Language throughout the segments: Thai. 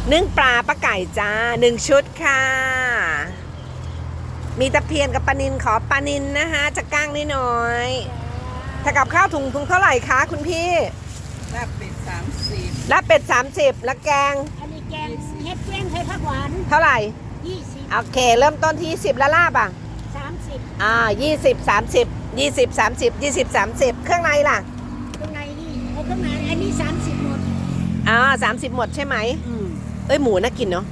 นึ่งปลาปลาไก่จ้า1 ชุดค่ะมีตะเพียนกับปลานิลขอปลานิลนะคะจะก้างนิดหน่อยถ้ากับข้าวถุงเท่าไหร่คะคุณพี่ลาบเป็ด30 ลาบเป็ด30แล้วแกงอันนี้แกงเฮ็ดเฟี้ยงไทยผักหวานเท่าไหร่ 20 โอเคเริ่มต้นที่10แล้วลาบอ่ะ 30 20 30 20 30 20 30เครื่องในล่ะเครื่องในนี่เอาเครื่องในอันนี้30หมด 30หมดใช่ไหมเอ้ยหมูน่ากินเนาะ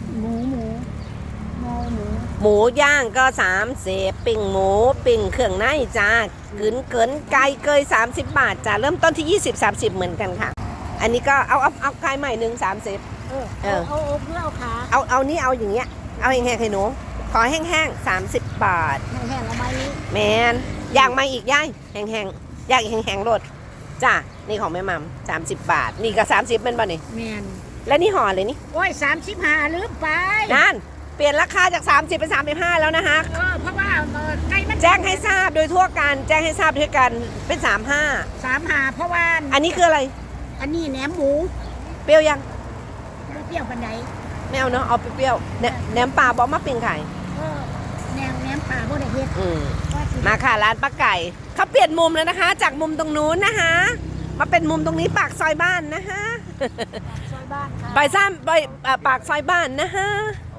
หมูย่างก็30ปิ้งหมูปิ้งเครื่องในจ้าเกินไก่เกย30 บาทจ้าเริ่มต้นที่20 30เหมือนกันค่ะอันนี้ก็เอาไก่ใหม่30 เอาเพื่อเอาขาเอานี่เอาอย่างเงี้ยเอาแห้งๆให้หนูขอแห้งๆ30 บาทแห้งๆเอาไหมแมนย่างมาอีกย่ายแห้งๆย่างอีกแห้งๆโลดจ้านี่ของแม่มัม30 บาทนี่ก็30เป็นป่ะนี่แมนและนี่ห่อเลยนี่โอ้ย35ลืมไปนั่นเปลี่ยนราคาจาก30เป็น35แล้วนะคะเพราะว่าไก่มันแจ้งให้ทราบโดยทั่วกันแจ้งให้ทราบด้วยกันเป็น 35เพราะว่าอันนี้คืออะไรอันนี้แหนมหมูเปรี้ยวยังเปรี้ยวปันใดไม่เอาเนาะเอาเปรี้ยวแหนมปลาบอกมาปิ้งไข่แหนมปลาบ่ได้เฮ็ดมาค่ะร้านป้าไก่เขาเปลี่ยนมุมแล้วนะคะ จากมุมตรงนู้นนะคะมาเป็นมุมตรงนี้ปากซอยบ้านนะคะซอยบ้านค่ะปากซอยบ้านนะคะ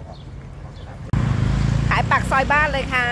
ขายปากซอยบ้านเลยค่ะ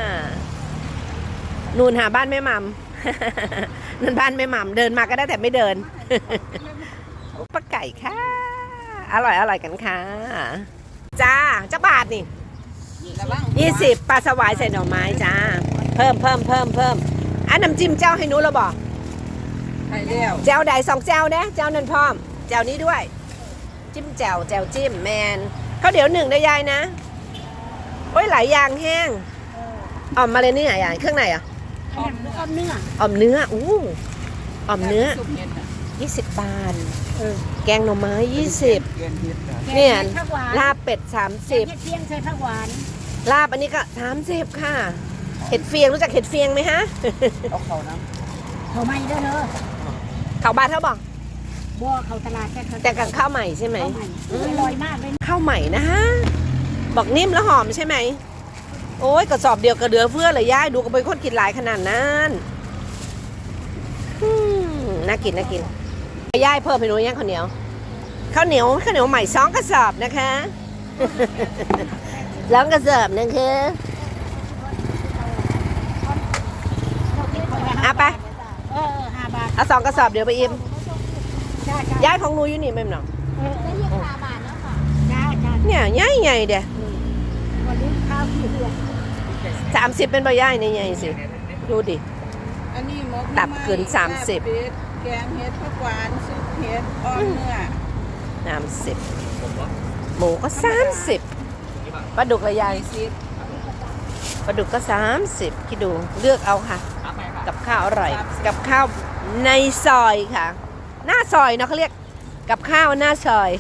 นูนหาบ้านแม่มัมนั่นบ้านแม่มัมเดินมาก็ได้แต่ไม่เดินป้าไก่ค่ะอร่อยกันค่ะจ้าจะบาทนี่20ปลาสวายใส่หน่อไม้จ้าเพิ่มอันน้ำจิ้มเจ้าให้หนูเราบอกเจ้าใด2 เจ้านะเจ้านั่นพร้อมเจ้านี้ด้วยจิ้มแจ่วจิ้มแมนข้าวเดี๋ยว1ได้ยายนะโอ้ยหลายอย่างแห้งอ่อมมาเลยนี่ไหนยายเครื่องในอ่ะอ่อมเนื้ออ่อมเนื้ออ่อมเนื้อ20 บาทแกงหน่อไม้20เนี่ยลาบเป็ด30 เฮ็ดเฟี้ยงใส่ผักหวานลาบอันนี้ก็30ค่ะเห็ดเฟียงรู้จักเห็ดเฟียงไหมฮะเอาเขานะเขาไม่ได้เนอะเขาบาทเขาบอกบ่เขาตลาดแต่กับข้าวใหม่ใช่ไหมอร่อยมากเลยข้าวใหม่นะฮะบอกนิ่มแล้วหอมใช่ไหมโอ้ยกระสอบเดียวกระเดือเฟื่อเลยย่ายดูก็เป็นคนกินหลายขนาดนั้นน่ากินย่ายเพิ่มไปหนูย่างข้าวเหนียวใหม่2 กระสอบนะคะ2 กระสอบนึงคือเอาไป 5 บาทเอา2 กระสอบเดี๋ยวไปอิ่มย่ายของหนูอยู่นี่ไหมน้องได้ยัง5 บาทแล้วค่ะจ้าเนี่ยใหญ่เด้วันนี้ข้าวกี่เดือน 30เป็นใบย่ายในใหญ่สิดูดิอันนี้ตับเกิน30 แกงเห็ดผักหวานซุปเห็ดอ่อนเนื้อ 30หมูก็30ปลาดุกละยายปลาดุกก็30คิดดูเลือกเอาค่ะกับข้าวอร่อยกับข้าวในซอยค่ะหน้าซอยเนาะเขาเรียกกับข้าวหน้าซอย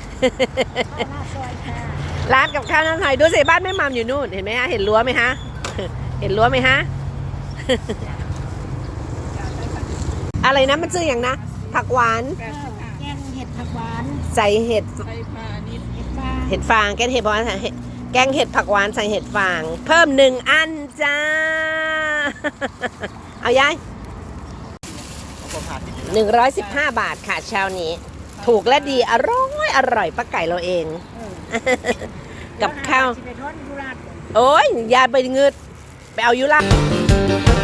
ร้านกับข้าวหน้าซอยดูสิบ้านแม่มัมอยู่นู่นเห็นไหมฮะเห็นรั้วไหมฮะอะไรนะมันชื่ออย่างนะผักหวานแกงเห็ดผักหวานใส่เห็ดฟางแกงเห็ดผักหวานแกงเห็ดผักหวานใส่เห็ดฟางเพิ่ม1 อันจ้าเอายาย115 บาทค่ะเช้านี้ถูกและดีอร่อยป้าไก่เราเองกับข้าวโอ้ยยายไปเงืดไปเอายุรา